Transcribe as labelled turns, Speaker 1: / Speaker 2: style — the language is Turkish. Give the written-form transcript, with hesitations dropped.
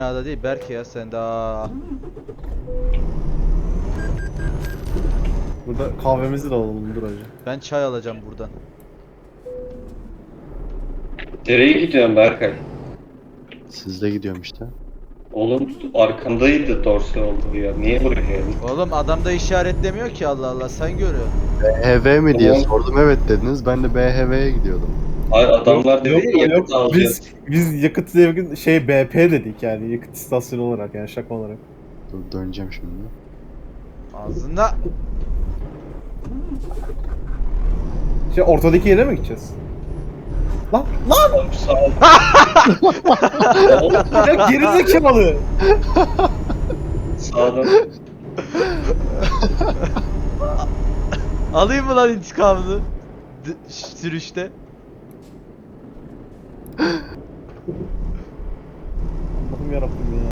Speaker 1: da değil Berke ya sen daha.
Speaker 2: Burada kahvemizi de alalım dur hacı.
Speaker 1: Ben çay alacağım buradan.
Speaker 3: Nereye gidiyorsun Berkay?
Speaker 4: Sizde gidiyorum işte.
Speaker 3: Oğlum arkandaydı dorse oldu ya. Niye buraya geldin?
Speaker 1: Oğlum adam da işaretlemiyor ki Allah Allah sen görüyorsun.
Speaker 4: BHV mi diye
Speaker 3: Tamam.
Speaker 4: sordum, evet dediniz. Ben de BHV'ye gidiyordum.
Speaker 3: Adamlar dedi ya,
Speaker 2: Yok,
Speaker 3: yakıt alacağız.
Speaker 2: biz yakıt şey BP dedik yani yakıt istasyonu olarak yani şaka olarak.
Speaker 4: Dur, döneceğim şimdi.
Speaker 1: Ağzında.
Speaker 2: Şey ortadaki yere mi gideceğiz? Lan
Speaker 3: Oğlum sağ ol. Oğlum,
Speaker 2: ya gerizekalı.
Speaker 3: sağdan.
Speaker 1: Alayım mı lan intikamını? Sürüşte.
Speaker 2: Allah'ım yarabbim ya.